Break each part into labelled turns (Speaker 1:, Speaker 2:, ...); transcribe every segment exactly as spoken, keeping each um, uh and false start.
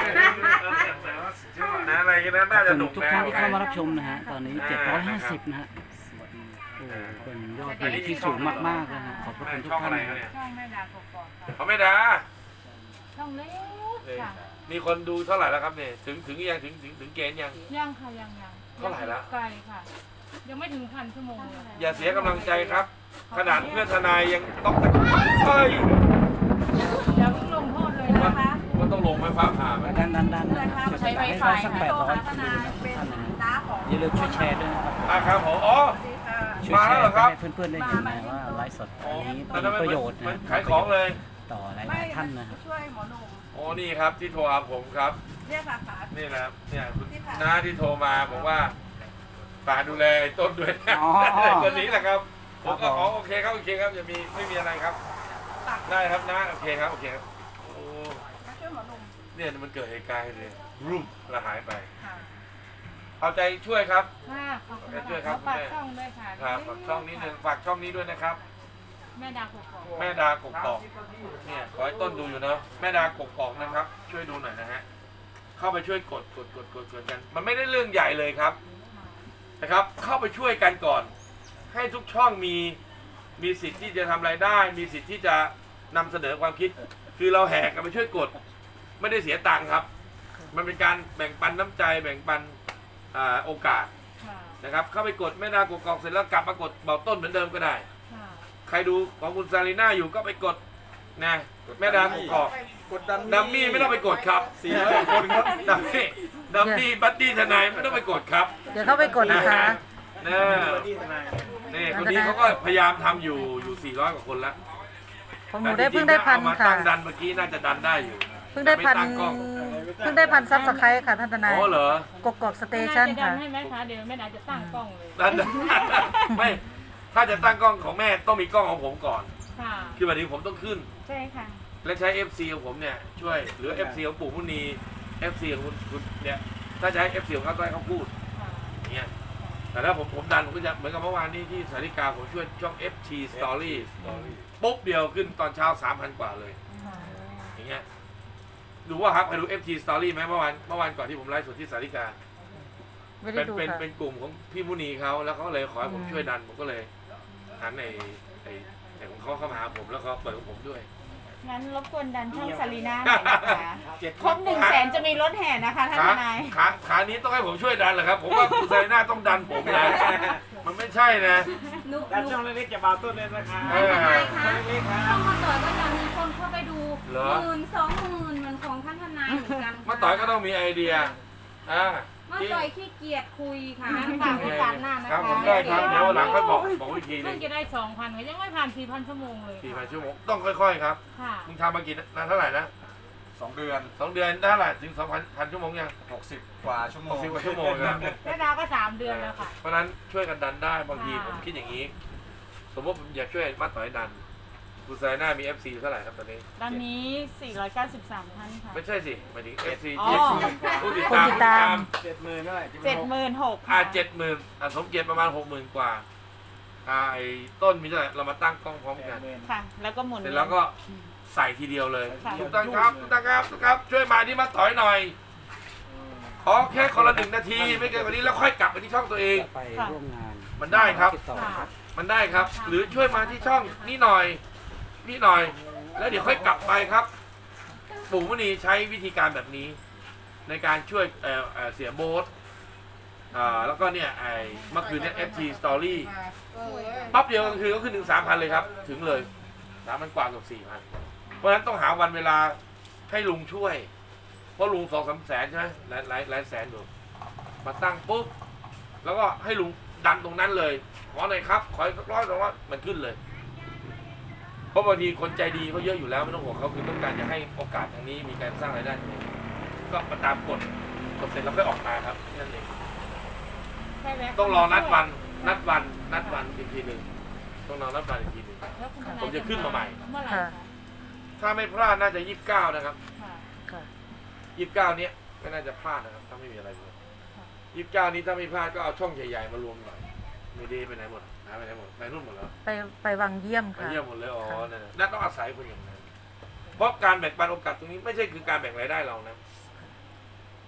Speaker 1: นะอะไรกันนะน่าจะหนุก
Speaker 2: ทุก
Speaker 1: นะ
Speaker 2: ท่านที่เข้ามารับชมนะฮะตอนนี้เจ็ดร้อยห้าสิบนะฮะโอ้เป็นยอดวิวที่สูงมากๆนะฮะขอบพระคุณทุกท่านนะครับ
Speaker 3: ช่องแม่ดากกอกค่ะ
Speaker 1: เขาไม่ด่า
Speaker 3: ช่องเล็กค่ะ
Speaker 1: มีคนดูเท่าไหร่แล้วครับเนี่ยถึงถึงยังถึงถึงถึงเกณฑ์ยัง
Speaker 3: ยังค่ะยังยัง
Speaker 1: เท่าไหร่ละ
Speaker 3: ไกลค่ะ ยังไม่ถึงพันชั่วโมงเลย
Speaker 1: อย่าเสียกำลังใจครับ ขนาดเพื่อนทนายยังต้องตะเฮ้ย
Speaker 3: อย่าเพิ่งลงโทษเลยนะคะ
Speaker 1: มันต้องลงไฟฟ้าผ่าไหม
Speaker 2: ดันดันดันนะจะ
Speaker 3: ใช้
Speaker 2: ได้
Speaker 3: Wi-Fi
Speaker 2: สักแปดร้อยท่านนะอย่าลืมช่วยแชร์ด้วยนะครับ
Speaker 1: อ่ะครับผมอ๋อ
Speaker 2: ช่วยแชร์ให้เพื่อนๆได้เห็นนะว่าไลฟ์สด
Speaker 1: อ๋อ
Speaker 2: อันนี้
Speaker 1: แต่
Speaker 2: เป็น
Speaker 1: ทำไม
Speaker 2: ประโยชน์
Speaker 1: มั
Speaker 2: นะ
Speaker 1: นขายของเลย
Speaker 2: ต่อหลายๆท่านนะครับ
Speaker 4: ช่วยหมอหนุ่ม
Speaker 1: โอ้นี่ครับที่โทรหาผมครับ
Speaker 4: เรียกสาขา
Speaker 1: นี่นะครับเนี่ยคุณน้าที่โทรมาบอกว่าฝากดูแลไอ้ต้นด้วยนะ
Speaker 2: อ๋อ
Speaker 1: คนนี้แหละครับผมก็
Speaker 2: ครับผม
Speaker 1: อ๋อโอเคครับโอเคครับอย่ามีไม่มีอะไรครับได้ครับนะโอเคครับโอเคครับโอ้
Speaker 4: มาช่วยหมอหนุ่ม
Speaker 1: เนี่ยมันเกิดเหตุการณ์เลยรูปละหายไป
Speaker 4: ค่ะ
Speaker 1: เอาใจช่วยครับ
Speaker 3: ค่ะขอบคุณ
Speaker 1: ช่วยครั
Speaker 3: ค่ะ
Speaker 1: บ
Speaker 3: ฝากช่องด้วยค่ะ
Speaker 1: ครับฝากช่องนี้หนึ่งฝากช่องนี้ด้วยนะครับ
Speaker 3: แม่ดากกอก
Speaker 1: แม่ดากกอกเนี่ยขอให้ต้นดูอยู่เนาะแม่ดากกอกนะครับ ช่วยดูหน่อยนะฮะเข้าไปช่วยกดกดกดกดกดกัน มันไม่ได้เรื่องใหญ่เลยครับนะครับ เข้าไปช่วยกันก่อน ให้ทุกช่องมีมีสิทธิ์ที่จะทำรายได้ มีสิทธิ์ที่จะนำเสนอความคิด คือเราแห่กันไปช่วยกด ไม่ได้เสียตังค์ครับ มันเป็นการแบ่งปันน้ำใจแบ่งปันอ่าโอกาส
Speaker 3: ค่ะ
Speaker 1: นะครับ เข้าไปกดแม่ดากกอกเสร็จแล้วกลับมากดเบาต้นเหมือนเดิมก็ได้
Speaker 3: ค่ะ
Speaker 1: ใครดูของคุณซาลีน่าอยู่ก็ไปกดนะแม่ดากกอก
Speaker 5: กดดัน
Speaker 1: ดัมมี่ไม่ต้องไปกดครับ
Speaker 5: สี่ร้อยคนครับ
Speaker 1: ดัมมี่ดัมมี่บัดดี้ทนายไม่ต้องไปกดครับ
Speaker 6: เดี๋ยวเข้าไปกดนะคะ
Speaker 1: นะ
Speaker 5: ที่ทนาย
Speaker 1: นี่คนนี้เขาก็พยายามทำอยู่อยู่สี่ร้อยกว่าคนแล้ว
Speaker 6: ของหนูได้เพิ่งได้พัน
Speaker 1: เอามา
Speaker 6: ค่ะ
Speaker 1: ตั้งดันเมื่อกี้น่าจะดันได้อยู่
Speaker 6: เพิ่งได้พัน
Speaker 1: ม่ตั้งกล้อง
Speaker 6: เพิ่งได้พันซับสไครต์ค่ะท่านทนาย
Speaker 1: อ๋อเหรอก
Speaker 6: กอกสเตชัน
Speaker 3: แม่ดาจะดั
Speaker 6: ค่ะ
Speaker 3: นให้ไหมคะเดี๋ยวแม่ดาจะตั้งกล้องเลย
Speaker 1: ดันไม่ถ้าจะตั้งกล้องของแม่ต้องมีกล้องของผมก่อน
Speaker 3: ค่ะ
Speaker 1: คือแบบนี้ผมต้องขึ้น
Speaker 3: ใช่ค่ะ
Speaker 1: และใช้ เอฟ ซี ของผมเนี่ยช่วยหรือ เอฟ ซี ของปู่มุนี เอฟ ซี ของคุณคุณเนี่ยถ้าใช้ เอฟ ซี ของเขาต้องให้เขาพูด
Speaker 3: ค่ะ
Speaker 1: อย่างเงี้ยแต่ถ้าผมผมดันผมก็จะเหมือนกับเมื่อวานนี้ที่สาริกาผมช่วยช่อง เอฟ ที Story ปุ๊บเดียวขึ้นตอนเช้า สามพัน กว่าเลย
Speaker 3: ค่ะ
Speaker 1: อย่างเงี้ยดูว่าครับใครดู เอฟ ที Story ไหมเมื่อวานเมื่อวานก่อนที่ผมไลฟ์สดที่สาริกา
Speaker 6: ไม่ได้
Speaker 1: เป็น
Speaker 6: ดู
Speaker 1: เป็น
Speaker 6: ค่ะ
Speaker 1: เป็นกลุ่มของพี่มุนีเขาแล้วเขาเลยขอให้ผมช่วยดันผมก็เลยหันในไอ้ไอ้ของเขาเข้ามาหาผมแล้วเขาเปิดของผมด้วย
Speaker 7: งั้นรบกวนดันช่องซารีน่าหน่อยนะคะ
Speaker 1: เจ็ด
Speaker 7: ครบหนึ่งแสนจะมีรถแห่นะคะท่าน
Speaker 1: ขา
Speaker 7: ทนาย
Speaker 1: ขาขานี้ต้องให้ผมช่วยดันเหรอครับ ผมว่าคุณไซน่าต้องดันผมนะมันไม่ใช่นะ
Speaker 7: นุ
Speaker 5: ดัน
Speaker 7: นุ
Speaker 5: ช่องเล็กๆจะบาต้นเลยนะคะ
Speaker 1: เออ
Speaker 5: ช่องเล็กๆครับ
Speaker 7: ช่องมาต่อยก็จะมีคนเข้าไปดู
Speaker 1: เหรอ
Speaker 7: หมื่นสองหมื่นเหมือนของท่านทนายเหมือนกันค่ะ
Speaker 1: มาต่อยก็ต้องมีไอเดียอ่า
Speaker 7: มาต่อยขี้เกียจคุยค่ะงั้นฝากโอกาสหน้านะ
Speaker 1: ครั
Speaker 7: คะ
Speaker 1: บผมได้ครับเดี๋ยววันหลังค่อยบอกบอกวิธีหนึ
Speaker 3: เพิ่ง
Speaker 1: ง
Speaker 3: จะได้สองพันก็ยังไม่ผ่านสี่พันชั่วโมงเลย
Speaker 1: สี่พันชั่วโมงต้องค่อยๆครับ
Speaker 3: ค่ะ
Speaker 1: มึงทำมากี่นานเท่าไหร่นะ
Speaker 5: สองเดือน
Speaker 1: สองเดือนได้เท่าไหร่ถึงสองพันพันชั่วโมงยัง
Speaker 5: หกสิบกว่าชั่วโม
Speaker 1: หก
Speaker 5: ง
Speaker 1: สิบกว่าชั่วโมงครับ
Speaker 3: แม่ดาก็สามเดือนแล้วค่ะ
Speaker 1: เพราะฉะนั้นช่วยกันดันได้บางที
Speaker 3: ค่ะ
Speaker 1: ผมคิดอย่างนี้ สมมติผมอยากช่วยมาต่อยดันคุณไซน่ามี เอฟ ซี เท่าไหร่ครับตอนนี้
Speaker 3: ตอนนี้สี่ร้อยเก้าสิบสามท่านค่ะ
Speaker 1: ไม่ใช่สิหมายถึง เอฟ ซี
Speaker 3: อ๋อ
Speaker 1: ที่ผู้ติด
Speaker 6: คน
Speaker 1: ตาม
Speaker 6: ติดตาม
Speaker 5: เจ็ดหมื่นเท่าไหร่
Speaker 7: เจ็ดหมื่นหก
Speaker 1: อ่า
Speaker 7: ค่ะ
Speaker 1: เจ็ดหมื่นอ่าสมเกียรติประมาณหกหมื่นกว่าอ่าไอ้ต้นมีเท่าไหร่เรามาตั้งกล้องพร้อมกัน
Speaker 7: ค่ะ แล้วก็หมุน
Speaker 1: เสร็จแล้วก็ใส่ทีเดียวเลย
Speaker 7: ค่ะ
Speaker 1: ทุกท่านครับทุกท่านครับทุกท่านครับ ช่วยมาที่มาต่อยหน่อย ขอแค่คนละหนึ่งนาทีไม่เกินกว่านี้แล้วค่อยกลับไปที่ช่องตัวเอง
Speaker 2: ไปร่วมงาน
Speaker 1: มันได้ครับ
Speaker 2: ติดต่อครับ
Speaker 1: มันได้ครับ หรือช่วยมาที่ช่องนี่หน่อยนี่หน่อย แล้วเดี๋ยวค่อยกลับไปครับ ปู่มุนีใช้วิธีการแบบนี้ ในการช่วยเอ่อเอ่อเสียโบ๊ทอ่าแล้วก็เนี่ยไอ้เมื่อคืนเนี่ย เอฟ ที Story ปั๊บเดียวกลางคืนก็ขึ้นถึงสามพันเลยครับ ถึงเลยสามพันกว่าเกับสี่พันเพราะฉะนั้นต้องหาวันเวลาให้ลุงช่วย เพราะลุงสองสามแสนใช่ไหมหลายหลายหลายแสนอยู่มาตั้งปุ๊บแล้วก็ให้ลุงดันตรงนั้นเลยขอหน่อยครับขออีกสักร้อยสองร้อยมันขึ้นเลย เพราะบางทีคนใจดีเขาเยอะอยู่แล้วไม่ต้องห่วงเขาคือต้องการจะให้โอกาสทางนี้มีการสร้างรายได้ตรงนี้ก็มาตามกฎกฎเสร็จแล้วค่อยออกมาครับนั่นเอง
Speaker 3: ใช่ไหม
Speaker 1: ต้องรอนัดวันนัดวันนัดวันอีกทีหนึ่งต้องรอนัดวันอีกทีหนึ่ง
Speaker 3: แล้วคุณทนาย
Speaker 1: ผมจะขึ้นมาใหม่
Speaker 3: เมื่อไหร่
Speaker 6: ค่ะ
Speaker 3: คะ
Speaker 1: ถ้าไม่พลาดน่าจะยี่สิบเก้านะครับ
Speaker 3: ค่ะ
Speaker 6: ค่ะ
Speaker 1: ยี่สิบเก้าเนี้ยไม่น่าจะพลาดนะครับถ้าไม่มีอะไรเลยยี่สิบเก้านี้ถ้าไม่พลาดก็เอาช่องใหญ่ๆมารวมหน่อยไม่ดีไปไหนหมดหายไปไหนหมดไปนู่นหมดแล้ว
Speaker 6: ไปไปวังเยี่ยม
Speaker 1: ไป
Speaker 6: ค่ะ
Speaker 1: เยี่ยมหมดเลยอ๋อนั่นน่ะนั่นต้องอาศัยคนอย่างนั้นเพราะการแบ่งปันโอกาสตรงนี้ไม่ใช่คือการแบ่งรายได้เรานะ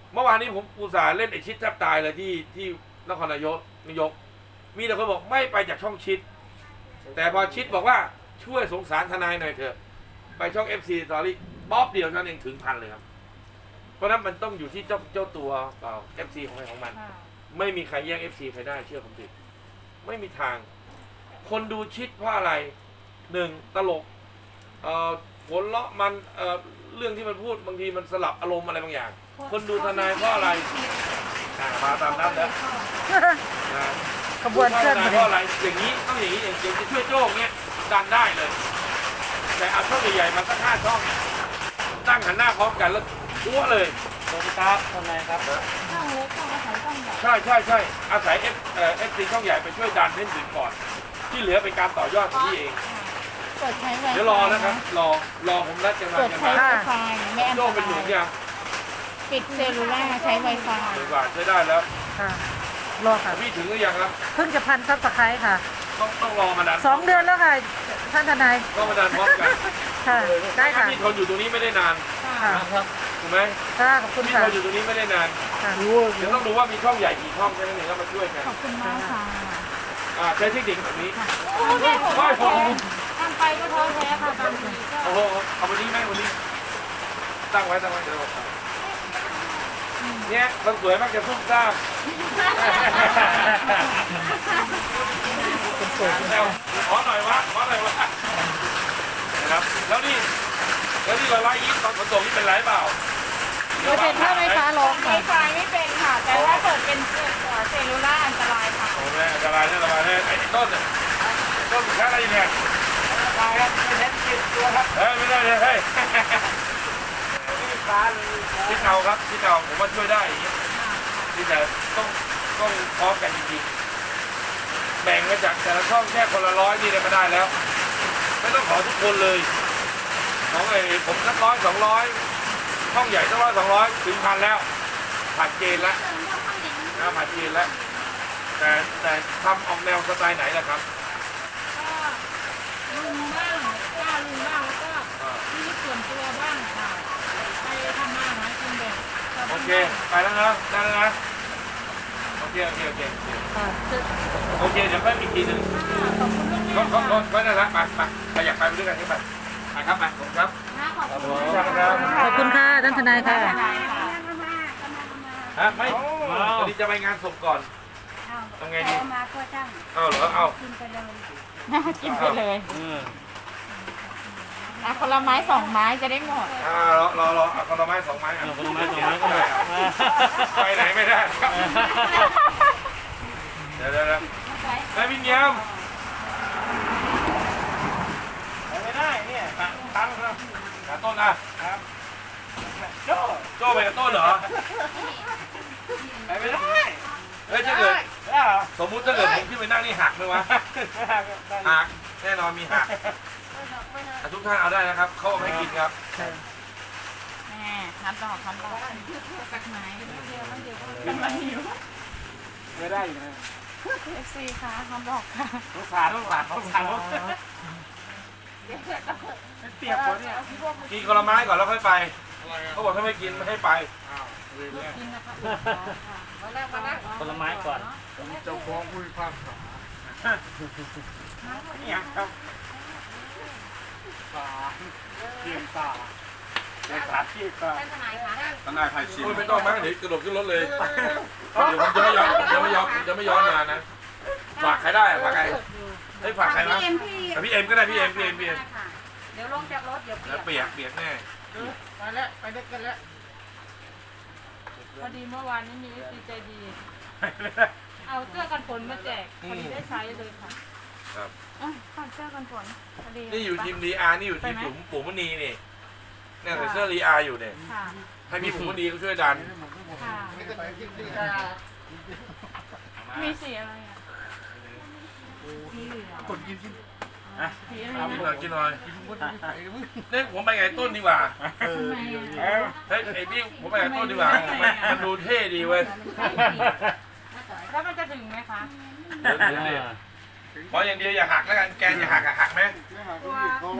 Speaker 1: เมื่อวานนี้ผมอุตส่าห์เล่นไอชิดแทบตายเลยที่ที่นครนายกนายก มีแต่คนบอกไม่ไปจากช่องชิด แต่พอชิดบอกว่าช่วยสงสารทนายหน่อยเถอะไปช่อง เอฟ ซี Story บ๊อบเดียวนั้นเองถึงพันเลยครับเพราะนั้นมันต้องอยู่ที่เจ้าเจ้าตัวเปล่า เอฟ ซี ของใครของมัน
Speaker 3: ค่ะ
Speaker 1: ไม่มีใครแย่ง เอฟ ซี ใครได้เชื่อผมดิไม่มีทาง คนดูชิดเพราะอะไรหนึ่งตลกเอ่อหัวเราะมันเอ่อเรื่องที่มันพูดบางทีมันสลับอารมณ์อะไรบางอย่าง คนดูทนายเพราะอะไรอ่ามาตามนั้นแล้วนะ
Speaker 6: ขบวนเคลื่อน
Speaker 1: ดู
Speaker 6: มา
Speaker 1: เพราะอะไรอย่างนี้ต้องอย่างนี้อย่างอย่างจะช่วยโจ้งเนี้ยดันได้เลย แต่เอาช่องใหญ่ๆมาสักห้าช่องตั้งหันหน้าพร้อมกันแล้วทั่วเลย
Speaker 2: สวัสดีครับทนายครับ
Speaker 3: ช่องเล็กต้องอาศัยช่องใหญ่
Speaker 1: ใช่ใช่ใช่อาศัยเอฟเอ่อฟซีช่องใหญ่ไปช่วยดันเล่นถึงก่อน ที่เหลือเป็นการต่อยอดของพี่เอง
Speaker 3: เปิดใช้ไวไฟ
Speaker 1: เดี๋ยวรอนะครับ รอรอผมนัดจะมา
Speaker 3: เปิด
Speaker 1: กัน
Speaker 3: ใช้
Speaker 1: มา
Speaker 3: ไวไฟไม่อันต
Speaker 1: โจ้เป็นหนุ
Speaker 3: ราน ย
Speaker 1: ยัง
Speaker 3: ปิดเซลลูล่าใช้ไวไฟ
Speaker 1: หนึ่งบาทใช้ได้แล้ว
Speaker 6: ค่ะ รอค่ะ
Speaker 1: พี่ถึงหรือยังครับ
Speaker 6: เพิ่งจะพันซับสไครต์ค่ะ
Speaker 1: ต้องต้องรอมาดัน
Speaker 6: สองเดือนแล้วค่ะ ท่านทนาย
Speaker 1: ต้องมาดันพร้อมกัน
Speaker 6: ค่ะ ได้ค่ะ
Speaker 1: พี่ทนอยู่ตรงนี้ไม่ได้นาน
Speaker 6: ค่ะ
Speaker 1: ถูกไหม
Speaker 6: ค่ะขอบคุณ
Speaker 1: พี่
Speaker 6: ค่ะ
Speaker 1: ทนอยู่ตรงนี้ไม่ได้นาน
Speaker 6: ค่ะ
Speaker 1: เดี๋ยวต้องดูว่ามีช่องใหญ่กี่ช่องแค่นั้นเองแล้วมาช่วยกัน
Speaker 3: ขอบคุณมากค่ะ
Speaker 1: อ่าใช้เทคนิคแบบนี้
Speaker 3: โอ้ยไม่ผมท้อแท้ทำไปก็ท้อแท้ค่ะบางทีก็
Speaker 1: โอ้โหเอาวันนี้ไหมวันนี้ ตั้งไว้ตั้งไว้เดี๋ยวเราเนี่ยคนสวยมักจะซุ่มซ่ามแล้วขอหน่อยวะขอหน่อยวะนะครับแล้วนี่แล้วนี่เราไล่ยิ้มตอนฝนตกนี่เป็นไรเปล่า
Speaker 6: เปิดเป็นถ้าไม่ฟ้าร้อง
Speaker 3: ไว
Speaker 6: ค่ะ
Speaker 3: ไฟไม่เป็นค่ะ แต่ว่าเปิดเป็นเซลลูล่าอันตรายค่ะ
Speaker 1: โอ้แม่อันตรายอันตรายเนี่ยไอ้ต้นเนี่ยต้นแค่อะไรเนี่ยตายครับไม่เห็นกินตัวครับเฮ้ยไม่ได้เลยเฮ้ยที่เก่าครับที่เก่าผมว่าช่วยได้อย่างเงี้ยที่แต่ต้องต้องพร้อมกันจริงๆแบ่งมาจากแต่ละช่องแค่คนละร้อยนี่ก็ได้แล้ว ไม่ต้องขอทุกคนเลยของไอ้ผมสักร้อยสองร้อยช่องใหญ่สักร้อยสองร้อยถึงพันแล้วผ่านเกณฑ์แล้วนะผ่านเกณฑ์แล้วแต่แต่ทำออกแนวสไตล์ไหนล่ะครับ
Speaker 3: ก็ลุงบ้างกล้าลุงบ้างแล้วก็ชีวิตส่วนตัวบ้างค่ะ ไปทำมาหากินแบบชาว
Speaker 1: โอ
Speaker 3: บ้าน
Speaker 1: เคไปแล้วนะได้แล้วนะโอเคโอเคโอเค
Speaker 6: ค่ะ
Speaker 1: โอเคเดี๋ยวค่อยมีทีหนึ่ง
Speaker 3: ขอบคุณลูก
Speaker 1: ก็
Speaker 3: แม่
Speaker 1: ก็
Speaker 3: ค่ะ
Speaker 1: ก็ก็ได้ละไปไปใครอยากไปไปด้วยกันก็ไปไปครับไปผมครับ
Speaker 3: ขอบคุณ
Speaker 1: ขอบคุณครับ
Speaker 6: ขอบคุณค่ะ ท่านทนายค่ะ
Speaker 1: ฮะไม่วันนี้จะไปงานศพก่อนทำไงดี
Speaker 7: มาก็จ้าง
Speaker 1: เอาเหรอเอา
Speaker 7: กินไปเลย
Speaker 3: กินไปเลยอ่ะคนละไม้สองไม้จะได้หมด
Speaker 1: อ่ารอรอรอเอาคนละไม้สองไม้เอาคนละไม้สองไม้ก็ได้ไปไหนไม่ได้ครับเดี๋ยวเดี๋ยวเดี๋ยวไอ้พี่เมียมไม่ได้เนี่ยตั้งครับขาต้นอ่ะครับโจ้โจ้ไปกับต้นเหรอไปไม่ได้เฮ้ยถ้าเกิดสมมุติถ้าเกิดผมขึ้นไปนั่งนี่หักไหมวะหักแน่นอนมีหักแต่ทุกท่านเอาได้นะครับเขาเอาให้กินครับ
Speaker 3: แม่ทันดอกทันดอกสักไม้เดียวเดียวก็ไม่หิว
Speaker 5: ไม่ได้อยู่นะ
Speaker 3: เอฟซีค่ะทันดอกค่ะ
Speaker 5: สงสารสงสารสงสารเปียกหมดเนี่ย
Speaker 1: กินคนละไม้ก่อนแล้วค่อยไปเขาบอกถ้าไม่กินไม่ให้ไป
Speaker 3: กินนะคะ
Speaker 2: ผลไม้ก่อน
Speaker 5: เจ้าของผู้พิพากษาเนี่ยครับตาเทียมตาในขาที่ตา
Speaker 7: ท่านทนายคะ
Speaker 5: ทนายไพชิน
Speaker 1: โอ้ยไม่ต้องมั้งเดี๋ยวกระโดดขึ้นรถเลย เดี๋ยวผมจะไม่ย้อนผมจะไม่ย้อนผมจะไม่ย้อนมานะ ฝากใครได้อะฝากใครเฮ้ยฝากใคร
Speaker 7: พี่
Speaker 1: นะ
Speaker 7: เอ็มพี่
Speaker 1: แต่พี่เอ็มก็ได้พี่เอ็มพี่เอ็มพี่เอ็ม
Speaker 7: เดี๋ยวลงจากรถเดี๋ยว
Speaker 1: แล้วเปียกเปียกแน่
Speaker 3: ไปแล้วไปด้วยกันแล้วพอดีเมื่อวานนี้มีเอฟซีใจดี เอาเสื้อกันฝนมาแจกพอดีได้ใช้เลยค่ะ
Speaker 1: ครับ
Speaker 3: อ่ะฝากเสื้อกันฝนพอดี
Speaker 1: นี่อยู่ทีมดีอาร์นี่อยู่ทีมปุ๋มปุ๋มมณีนี่เนี่ยใส่เสื้อดีอาร์อยู่เนี่ย
Speaker 3: ค่ะ
Speaker 1: ให้พี่ปุ๋มมณีเขาช่วยดัน
Speaker 3: ค่ะ มีสีอะไรอ่ะมีเหลือง
Speaker 5: คนกินกิน
Speaker 3: สีอะไร
Speaker 1: กินห
Speaker 3: นะ
Speaker 1: น่อยกินหน่อยเนี่ยผมไปไงต้นดีกว่า
Speaker 5: เออ
Speaker 1: เฮ้ยไอพี่ผมไปไงต้นดีกว่ามันมันดูเท่ดีเว้ย
Speaker 3: แล้วมันจะถึงไหมคะ
Speaker 1: เดี๋ยวเดี๋ยวเดี๋ยวขออย่างเดียวอย่าหักแล้วกันแกนอย่าหักอะหักไหม
Speaker 7: ตัว